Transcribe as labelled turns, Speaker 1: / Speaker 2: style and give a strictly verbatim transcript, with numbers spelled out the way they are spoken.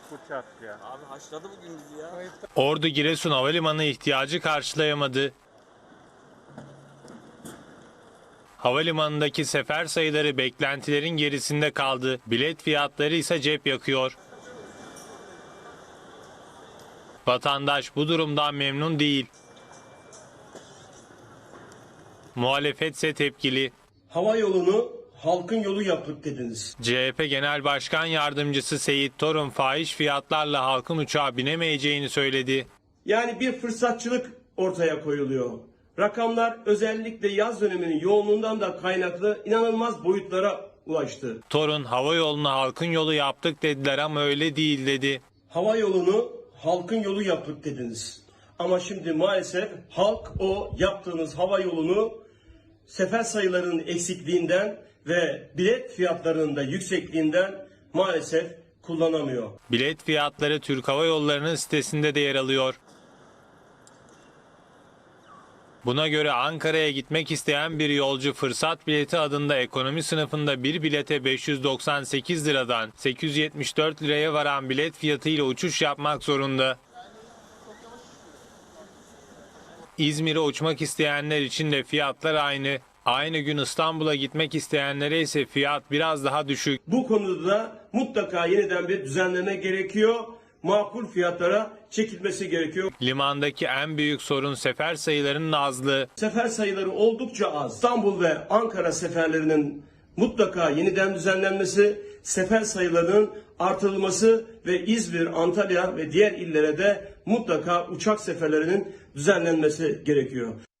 Speaker 1: Uçak ya.
Speaker 2: Abi haşladı bugün bizi ya.
Speaker 3: Ordu Giresun Havalimanı ihtiyacı karşılayamadı. Havalimanındaki sefer sayıları beklentilerin gerisinde kaldı. Bilet fiyatları ise cep yakıyor. Vatandaş bu durumdan memnun değil. Muhalefet ise tepkili.
Speaker 4: Hava yolunu halkın yolu yaptık dediniz.
Speaker 3: C H P Genel Başkan Yardımcısı Seyit Torun fahiş fiyatlarla halkın uçağa binemeyeceğini söyledi.
Speaker 4: Yani bir fırsatçılık ortaya koyuluyor. Rakamlar özellikle yaz döneminin yoğunluğundan da kaynaklı inanılmaz boyutlara ulaştı.
Speaker 3: Torun hava yolunu halkın yolu yaptık dediler ama öyle değil dedi.
Speaker 4: Hava yolunu halkın yolu yaptık dediniz. Ama şimdi maalesef halk o yaptığınız hava yolunu sefer sayılarının eksikliğinden ve bilet fiyatlarının da yüksekliğinden maalesef kullanamıyor.
Speaker 3: Bilet fiyatları Türk Hava Yolları'nın sitesinde de yer alıyor. Buna göre Ankara'ya gitmek isteyen bir yolcu fırsat bileti adında ekonomi sınıfında bir bilete beş yüz doksan sekiz liradan sekiz yüz yetmiş dört liraya varan bilet fiyatıyla uçuş yapmak zorunda. İzmir'e uçmak isteyenler için de fiyatlar aynı. Aynı gün İstanbul'a gitmek isteyenlere ise fiyat biraz daha düşük.
Speaker 4: Bu konuda da mutlaka yeniden bir düzenleme gerekiyor. Makul fiyatlara çekilmesi gerekiyor.
Speaker 3: Limandaki en büyük sorun sefer sayılarının azlığı.
Speaker 4: Sefer sayıları oldukça az. İstanbul ve Ankara seferlerinin mutlaka yeniden düzenlenmesi, sefer sayılarının artırılması ve İzmir, Antalya ve diğer illere de mutlaka uçak seferlerinin düzenlenmesi gerekiyor.